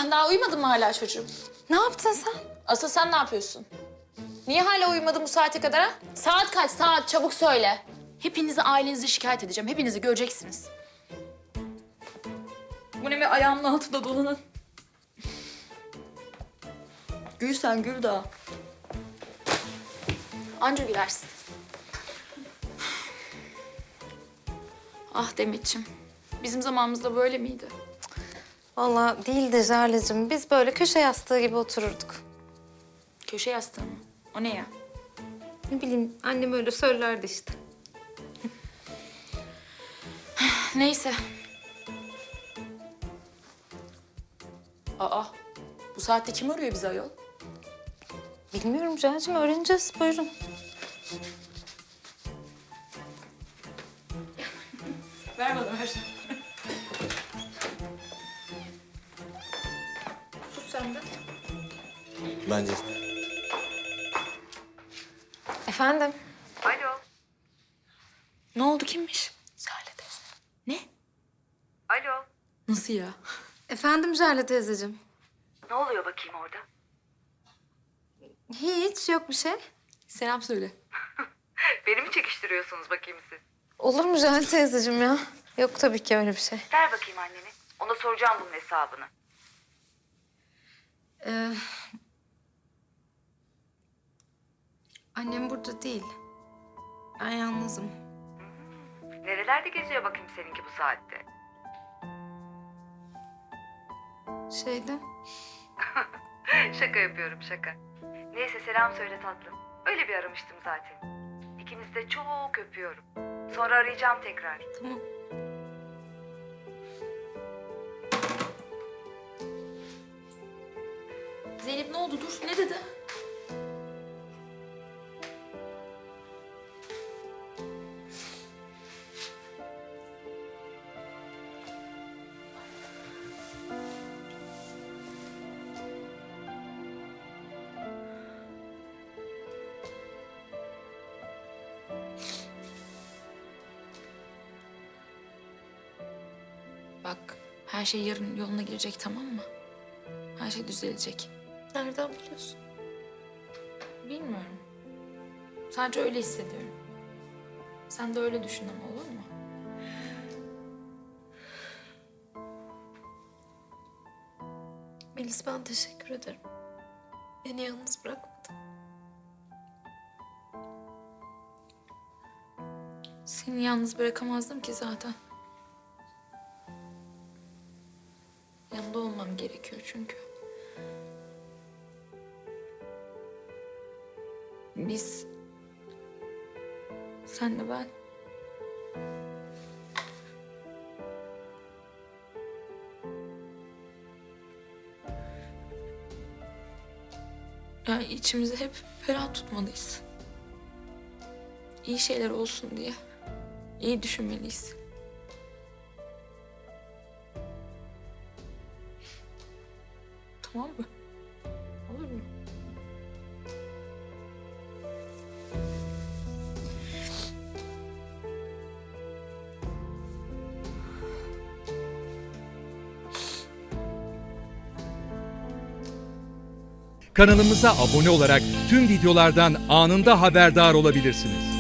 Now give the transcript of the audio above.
Sen daha uyumadın mı hala çocuğum? Ne yaptın sen? Asıl sen ne yapıyorsun? Niye hala uyumadın bu saate kadar ha? Saat kaç saat? Çabuk söyle. Hepinizi ailenize şikayet edeceğim. Hepinizi göreceksiniz. Bu ne be ayağımın altında dolanan? Gül sen gül daha. Anca gülersin. Ah Demetciğim. Bizim zamanımızda böyle miydi? Vallahi değildi Jale'cim. Biz böyle köşe yastığı gibi otururduk. Köşe yastığı mı? O ne ya? Ne bileyim annem öyle söylerdi işte. Neyse. Aa, bu saatte kim arıyor bizi ayol? Bilmiyorum Jale'cim, öğreneceğiz. Buyurun. Ver bana ver. Sus sen de. Bence. Efendim? Alo, Ne oldu kimmiş? Jale teyze. Ne? alo. Nasıl ya? Efendim Jale teyzeciğim. Ne oluyor bakayım orada? Hiç yok bir şey. Selam söyle. Beni mi çekiştiriyorsunuz bakayım siz? Olur mu Jale teyzeciğim ya? Yok tabii ki öyle bir şey. Ver bakayım anneni. Ona soracağım bunun hesabını. Annem burada değil. Ben yalnızım. Nerelerde geziyor bakayım seninki bu saatte? Şeyde. Şaka yapıyorum şaka. Neyse selam söyle tatlım. Öyle bir aramıştım zaten. İkinizi de çok öpüyorum. Sonra arayacağım tekrar. Tamam. Zeynep ne oldu? Dur. Ne dedi? Bak, her şey yarın yoluna girecek, tamam mı? Her şey düzelecek. Nereden biliyorsun? Bilmiyorum. Sadece öyle hissediyorum. Sen de öyle düşün ama, olur mu? Melis, ben teşekkür ederim. Beni yalnız bırakmadın. Seni yalnız bırakamazdım ki zaten. Yanında olmam gerekiyor çünkü. Biz... Senle ben... Yani içimizi hep ferah tutmalıyız. İyi şeyler olsun diye. İyi düşünmeliyiz. Tamam mı? Olur mu? Kanalımıza abone olarak tüm videolardan anında haberdar olabilirsiniz.